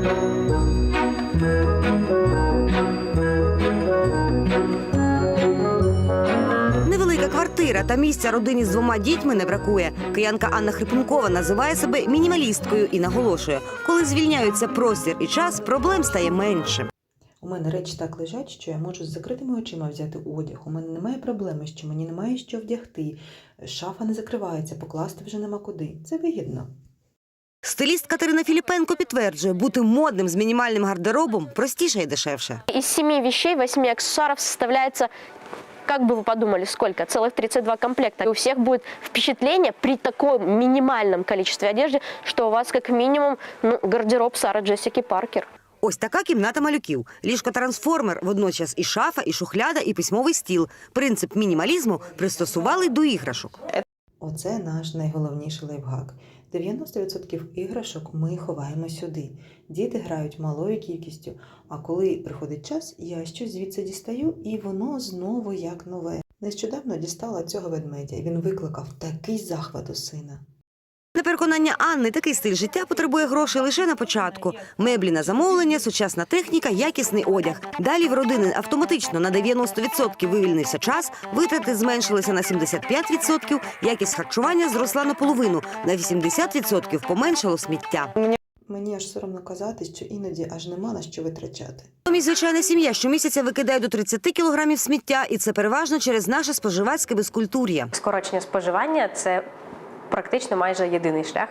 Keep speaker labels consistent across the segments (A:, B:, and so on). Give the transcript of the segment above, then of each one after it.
A: Невелика квартира та місця родині з 2 дітьми не бракує. Киянка Анна Хрипункова називає себе мінімалісткою і наголошує, коли звільняються простір і час, проблем стає менше.
B: У мене речі так лежать, що я можу з закритими очима взяти одяг. У мене немає проблеми, що мені немає що вдягти. Шафа не закривається, покласти вже нема куди. Це вигідно.
A: Стиліст Катерина Філіпенко підтверджує, бути модним з мінімальним гардеробом простіше і дешевше.
C: Из 7 вещей 8 аксессуаров составляется, как бы вы подумали, сколько? Целых 32 комплекта. И у всех будет впечатление при таком минимальном количестве одежды, что у вас как минимум гардероб Сары Джессики Паркер.
A: Ось така кімната малюків. Ліжко-трансформер, водночас і шафа, і шухляда, і письмовий стіл. Принцип мінімалізму пристосували до іграшок.
B: Оце наш найголовніший лайфхак. 90% іграшок ми ховаємо сюди. Діти грають малою кількістю, а коли приходить час, я щось звідси дістаю, і воно знову як нове. Нещодавно дістала цього ведмедя, і він викликав такий захват у сина.
A: На переконання Анни, такий стиль життя потребує грошей лише на початку. Меблі на замовлення, сучасна техніка, якісний одяг. Далі в родини автоматично на 90% вивільнився час, витрати зменшилися на 75%, якість харчування зросла наполовину, на 80% поменшало сміття.
B: Мені аж соромно казати, що іноді аж нема на що витрачати.
A: Натомість звичайна сім'я щомісяця викидає до 30 кілограмів сміття, і це переважно через наше споживацьке безкультур'я.
C: Скорочення споживання – це практично майже єдиний шлях,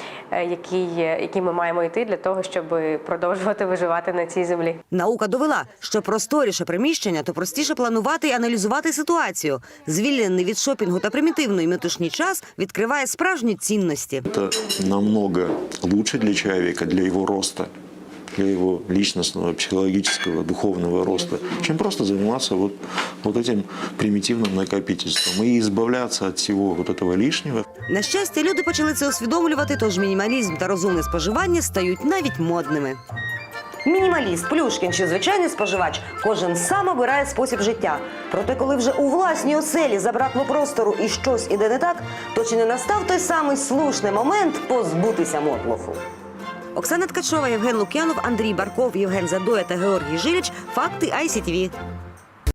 C: який ми маємо йти для того, щоб продовжувати виживати на цій землі.
A: Наука довела, що просторіше приміщення, то простіше планувати і аналізувати ситуацію. Звільнений від шопінгу та примітивної метушні час відкриває справжні цінності.
D: Це намного лучше для чоловіка, для його росту, для его личностного, психологического, духовного роста, чем просто заниматься вот этим примитивным накопительством и избавляться от всего вот этого лишнего.
A: На щастя, люди почали це усвідомлювати, тож мінімалізм та розумне споживання стають навіть модними. Мінімаліст, Плюшкін чи звичайний споживач – кожен сам обирає спосіб життя. Проте, коли вже у власній оселі забракло простору і щось іде не так, то чи не настав той самий слушний момент позбутися мотлоху? Оксана Ткачова, Євген Лук'янов, Андрій Барков, Євген Задоя та Георгій Жиліч. Факти ICTV.